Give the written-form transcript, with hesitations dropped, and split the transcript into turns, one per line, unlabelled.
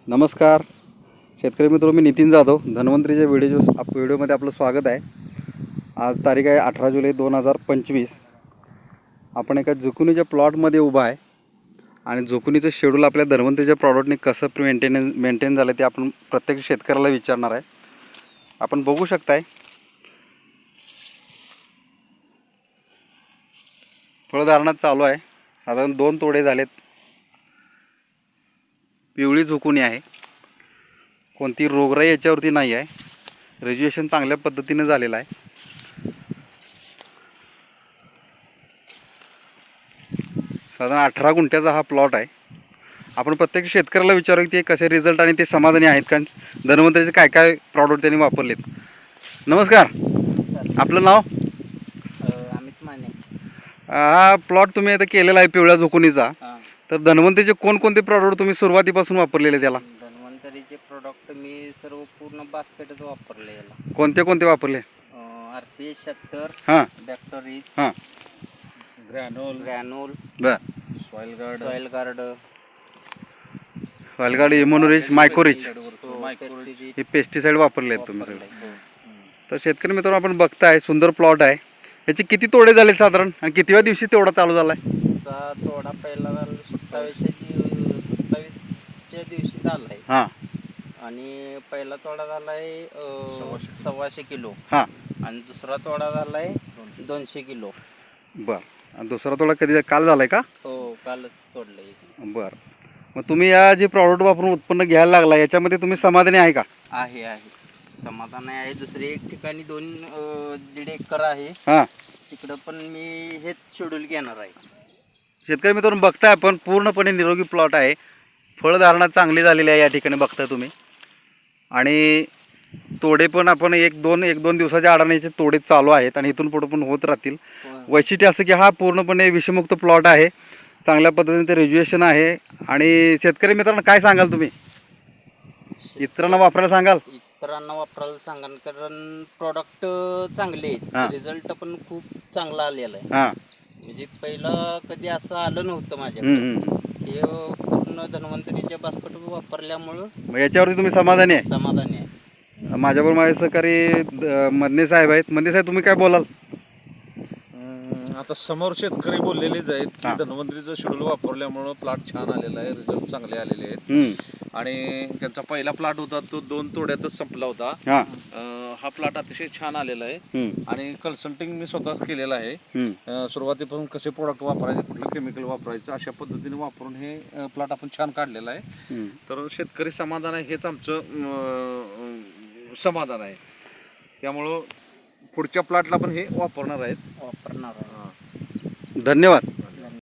नमस्कार शेतकरी मित्र, मी नितीन जाधव धन्वंतरीच्या व्हिडिओमध्ये आपलं स्वागत आहे। आज तारीख आहे 18 जुलै 2025। आपण एका जुकुनीच्या प्लॉटमध्ये उभा आहे आणि जुकुनीचं शेड्यूल आपल्या धन्वंतरीच्या प्रॉडक्टने कसं मेंटेन झालं ते आपण प्रत्येक शेतकऱ्याला विचारणार आहे। आपण बघू शकताय फळधारणा चालू आहे। साधारण 2 तोडे झालेत। पिवळी जुकुनी आहे, कोणती रोगराई याच्यावरती नाही आहे। रेज्युएशन चांगल्या पद्धतीने झालेलं आहे। साधारण 18 गुंठ्याचा हा प्लॉट आहे। आपण प्रत्येक शेतकऱ्याला विचारू की ते कसे रिझल्ट आणि ते समाधानी आहेत का, धन्वंतरीचे काय काय प्रॉडक्ट त्यांनी वापरलेत। नमस्कार, आपलं नाव?
अमित माने।
हा प्लॉट तुम्ही आता केलेला आहे पिवळ्या जुकुनीचा, तर धन्वंतरीचे कोणकोणते प्रॉडक्ट तुम्ही सुरुवातीपासून वापरलेले त्याला?
धन्वंतरीचे प्रोडक्ट मी सर्व पूर्ण बास्केटच वापरले याला।
कोणते कोणते वापरले?
RPS 76,
हां
बॅक्टरीज,
हां
ग्रॅनोल,
बर,
सॉइल गार्ड,
वालगाड, इम्युनोरिच, मायकोरिच
पेस्टिसाइड
हे पेस्टिसाइड वापरले आहेत तुम्ही सगळे। तर शेतकरी मित्रांनो, आपण बघताय सुंदर प्लॉट आहे। याचे किती तोडे झाले साधारण आणि कितव्या दिवशी तेवढा चालू झाला आहे?
थोडा पहिला 27च्या दिवशी झालाय।
हां
आणि पहिला तोडा झालाय 125 किलो।
हां
आणि दुसरा तोडा झालाय 200 किलो।
बरं, आणि दुसरा तोडा कधी काल झाला आहे का?
हो, कालच तोडलंय।
बरं, मग तुम्ही या जे प्रॉडक्ट वापरून उत्पन्न घ्यायला लागला याच्यामध्ये तुम्ही समाधानी आहे का?
आहे समाधान आहे। दुसरे एक ठिकाणी 1.5 एकर आहे,
हां,
तिकडं पण मी हेच शेड्यूल घेणार आहे।
शेतकरी मित्रांनो, बघताय आपण पूर्णपणे निरोगी प्लॉट आहे। फळधारणा चांगली झालेली आहे या ठिकाणी बघताय तुम्ही। आणि तोडे पण आपण एक दोन दिवसाच्या आडाने याचे तोडे चालू आहेत आणि इथून पुढे पण होत राहतील। वैशिष्ट्य असं की हा पूर्णपणे विषमुक्त प्लॉट आहे, चांगल्या पद्धतीने ते रेज्युएशन आहे। आणि शेतकरी मित्रांनो, काय सांगाल तुम्ही? इतरांना वापरायला सांगाल?
इतरांना वापरायला सांगाल, कारण प्रॉडक्ट चांगले
हां.
आहेत, रिझल्ट पण खूप चांगला आलेला आहे।
हां,
म्हणजे पहिलं कधी असं आलं नव्हतं माझ्याकडे। हे पूर्ण धन्वंतरीच्या बास्केट वापरल्यामुळं
मग याच्यावरती तुम्ही समाधानी आहे?
समाधानी आहे।
माझ्याबरोबर माझे सहकारी मदने साहेब आहेत। मदने साहेब, तुम्ही काय बोलाल?
आता समोर शेतकरी बोललेलेच आहेत की
हां.
धन्वंतरीचं शेड्यूल वापरल्यामुळं प्लॉट छान आलेला आहे, रिझल्ट चांगले आलेले आहेत। आणि त्यांचा पहिला प्लॉट होता तो 2 तोड्यातच संपला होता।
हां,
हा प्लॉट अतिशय छान आलेला आहे आणि कन्सल्टिंग मी स्वतःच केलेलं आहे। सुरुवातीपासून कसे प्रोडक्ट वापरायचे, कुठलं केमिकल वापरायचं, अशा पद्धतीने वापरून हे प्लॉट आपण छान काढलेला आहे। तर शेतकरी समाधान आहे हेच आमचं समाधान आहे। त्यामुळं पुढच्या प्लॉटला पण हे वापरणार आहेत।
वापरणार आहे।
धन्यवाद।